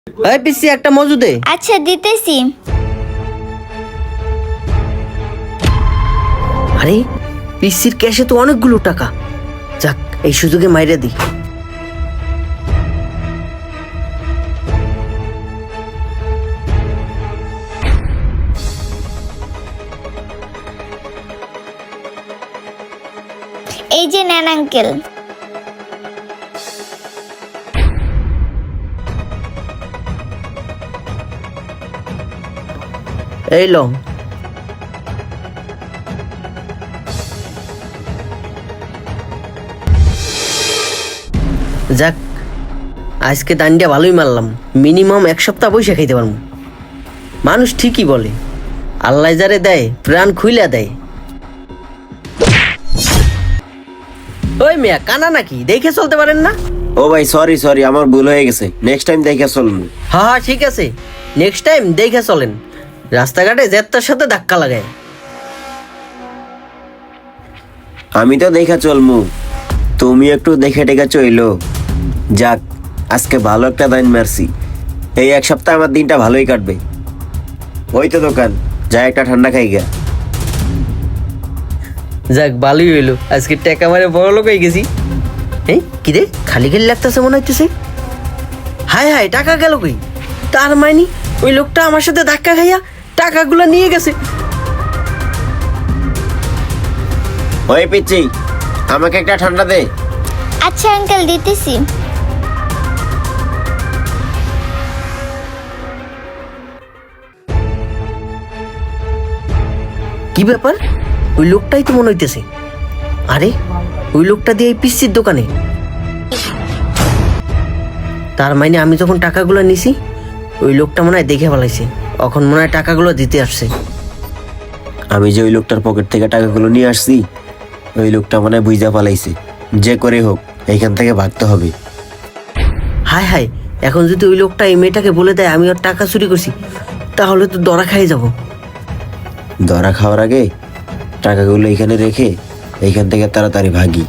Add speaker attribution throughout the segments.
Speaker 1: এই পিসি একটা মজু দে।
Speaker 2: আচ্ছা দিতেছি।
Speaker 1: আরে পিসির ক্যাশে তো অনেকগুলো টাকা, যাক এই সুযোগে মাইরে দি।
Speaker 2: এই যে নেন আঙ্কেল।
Speaker 1: এই লো, যাক আজকে দান্ডিয়া ভালোই মারলাম, মিনিমাম এক সপ্তাহ পয়সা খাইতে পারবো। মানুষ ঠিকই বলে আল্লাহ যারে দেয় প্রাণ খুইলা দেয়। ওই মিয়া কানা নাকি, দেখে চলতে পারেন না?
Speaker 3: ও ভাই সরি সরি, আমার ভুল হয়ে গেছে, নেক্সট টাইম দেখে চলবো।
Speaker 1: হ্যাঁ হ্যাঁ ঠিক আছে, নেক্সট টাইম দেখে চলেন, রাস্তাঘাটে জেতার সাথে ধাক্কা লাগায়।
Speaker 3: আমি তো দেখে চলমু, তুমি একটু দেখে টেকে চইলো। যাক আজকে ভালো একটা দাইন মারছি, এই এক সপ্তাহ আমার দিনটা ভালোই কাটবে। ওই তো দোকান, যা একটা ঠান্ডা খাই গা।
Speaker 1: যাক ভালোই হইলো, আজকে টাকা মারে বড় লোক হয়ে গেছি। এই কি রে, খালি খালি লাগতেছে মনে হইতেছে। হায় হায়, টাকা গেল কই? তার মানে ওই লোকটা আমার সাথে ধাক্কা খাইয়া টাকাগুলো নিয়ে গেছে।
Speaker 3: ওই পিচ্ছি, আমাকে একটা ঠান্ডা দে।
Speaker 2: আচ্ছা আঙ্কেল দিতেছি।
Speaker 1: কি ব্যাপার, ওই লোকটাই তো মনে হইতেছে। আরে ওই লোকটা দিয়ে এই পিসির দোকানে। তার মানে আমি যখন টাকাগুলো নিছি ওই লোকটা মনে হয় দেখে ফেলাইছে, এখন মনে হয় টাকাগুলো দিতে আসছে।
Speaker 3: আমি যে ওই লোকটার পকেট থেকে টাকাগুলো নিয়ে আসছি, ওই লোকটা মনে হয় বুঝা পালাইছে। যে করে হোক এইখান থেকে ভাগতে হবে।
Speaker 1: হায় হায়, এখন যদি ওই লোকটা এই মেয়েটাকে বলে দেয় আমি ওর টাকা চুরি করছি, তাহলে তো ধরা খাই যাব।
Speaker 3: ধরা খাওয়ার আগে টাকাগুলো এখানে রেখে এইখান থেকে তাড়াতাড়ি ভাগি।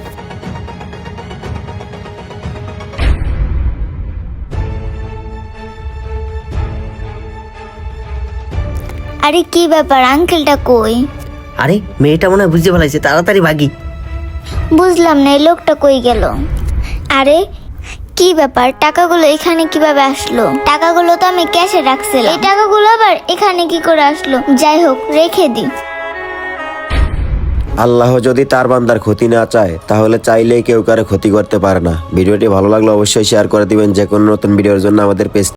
Speaker 2: আরে কি ব্যাপার, আঙ্কেলটা কই?
Speaker 1: আরে মেয়েটা মনে হয় বুঝতে ফেলাইছে, তাড়াতাড়ি ভাগি।
Speaker 2: বুঝলাম না এই লোকটা কই গেল। আরে কি ব্যাপার, টাকাগুলো এখানে কিভাবে আসলো? টাকাগুলো তো আমি ক্যাশে রাখছিলাম, এই টাকাগুলো আবার এখানে কি করে আসলো? যাই হোক রেখে দিই।
Speaker 3: আল্লাহ যদি তার বান্দার ক্ষতি না চায় তাহলে চাইলেই কেউ কারো ক্ষতি করতে পারে না। ভিডিওটি ভালো লাগলে অবশ্যই শেয়ার করে দিবেন। যে কোনো নতুন ভিডিওর জন্য আমাদের পেজ